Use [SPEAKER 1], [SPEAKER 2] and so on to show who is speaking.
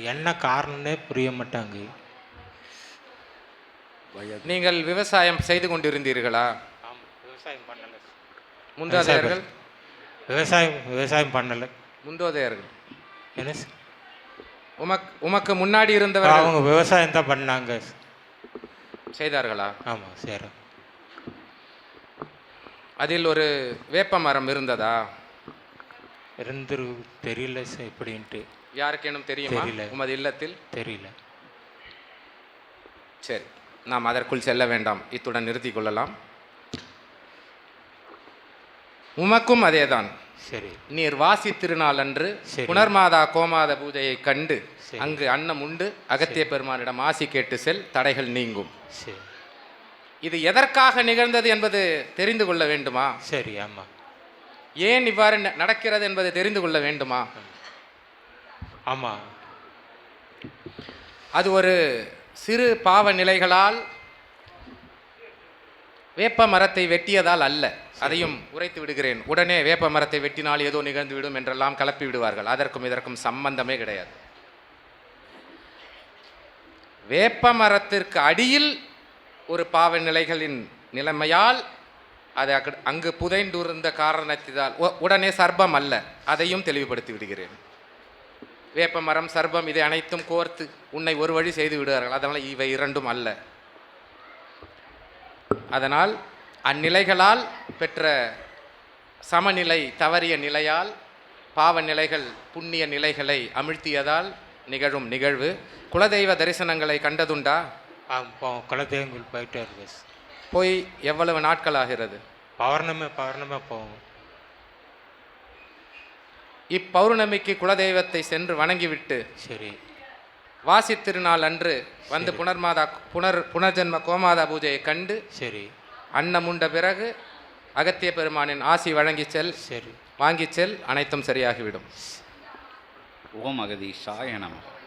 [SPEAKER 1] என்ன காரணம்னே புரிய மாட்டாங்க.
[SPEAKER 2] நீங்கள் விவசாயம் செய்து கொண்டிருந்தீர்களா?
[SPEAKER 1] ஆமாம், விவசாயம் பண்ணலை.
[SPEAKER 2] முந்தோதையர்கள்
[SPEAKER 1] விவசாயம் பண்ணலை.
[SPEAKER 2] முந்தோதையர்கள்
[SPEAKER 1] என்ன சார்?
[SPEAKER 2] உமக்கு முன்னாடி இருந்தவர்கள்
[SPEAKER 1] அவங்க விவசாயம் தான் பண்ணாங்க.
[SPEAKER 2] செய்தார்களா?
[SPEAKER 1] ஆமாம் சார்.
[SPEAKER 2] அதில் ஒரு வேப்ப மரம் இருந்ததா?
[SPEAKER 1] இருந்துரு தெரியல சார் எப்படின்ட்டு.
[SPEAKER 2] யாருக்கேனும் தெரியுமா?
[SPEAKER 1] தெரியல.
[SPEAKER 2] உமது இல்லத்தில்
[SPEAKER 1] தெரியல.
[SPEAKER 2] சரி, நாம் அதற்குள் செல்ல வேண்டாம், இத்துடன் நிறுத்திக் கொள்ளலாம். உமக்கும் அதேதான்.
[SPEAKER 1] சரி.
[SPEAKER 2] நீர் வாசி திருநாள் அன்று
[SPEAKER 1] சரி.
[SPEAKER 2] புனர்மாதா கோமாத பூஜையை கண்டு
[SPEAKER 1] சரி.
[SPEAKER 2] அங்கு அன்னம் உண்டு அகத்திய பெருமானிடம் ஆசி கேட்டு செல், தடைகள் நீங்கும்.
[SPEAKER 1] சரி.
[SPEAKER 2] இது எதற்காக நிகழ்ந்தது என்பது தெரிந்து கொள்ள வேண்டுமா?
[SPEAKER 1] சரி. ஆமாம்.
[SPEAKER 2] ஏன் இவ்வாறு நடக்கிறது என்பதை தெரிந்து கொள்ள வேண்டுமா?
[SPEAKER 1] ஆமாம்.
[SPEAKER 2] அது ஒரு சிறு பாவ நிலைகளால் வேப்ப மரத்தை வெட்டியதால் அல்ல. அதையும் உரைத்து விடுகிறேன். உடனே வேப்ப மரத்தை வெட்டினால் ஏதோ நிகழ்ந்து விடும் என்றெல்லாம் கலப்பி விடுவார்கள். அதற்கும் இதற்கும் சம்பந்தமே கிடையாது. வேப்ப மரத்திற்கு அடியில் ஒரு பாவ நிலைகளின் நிலைமையால் அது அங்கு புதைந்துருந்த காரணத்தினால் உடனே சர்ப்பம் அல்ல. அதையும் தெளிவுபடுத்தி விடுகிறேன். வேப்ப மரம், சர்ப்பம் இதை அனைத்தும் கோர்த்து உன்னை ஒரு வழி செய்து விடுவார்கள். அதனால் இவை இரண்டும் அல்ல. அதனால் அந்நிலைகளால் பெற்ற சமநிலை தவறிய நிலையால் பாவ நிலைகள் புண்ணிய நிலைகளை அமிழ்த்தியதால் நிகழும் நிகழ்வு. குலதெய்வ தரிசனங்களை கண்டதுண்டா?
[SPEAKER 1] குலதெய்வங்கள் போயிட்டே இருக்கு.
[SPEAKER 2] போய் எவ்வளவு நாட்கள் ஆகிறது?
[SPEAKER 1] பௌர்ணமி போகும்.
[SPEAKER 2] இப்பௌர்ணமிக்கு குலதெய்வத்தை சென்று வணங்கிவிட்டு
[SPEAKER 1] சரி
[SPEAKER 2] வாசி திருநாள் அன்று வந்து புனர்ஜென்ம கோமாதா பூஜையை கண்டு
[SPEAKER 1] சரி
[SPEAKER 2] அன்னமுண்ட பிறகு அகத்திய பெருமானின் ஆசி வழங்கி செல்.
[SPEAKER 1] சரி.
[SPEAKER 2] வாங்கி செல், அனைத்தும் சரியாகிவிடும்.
[SPEAKER 3] ஓம் அகதீஷாய நமः.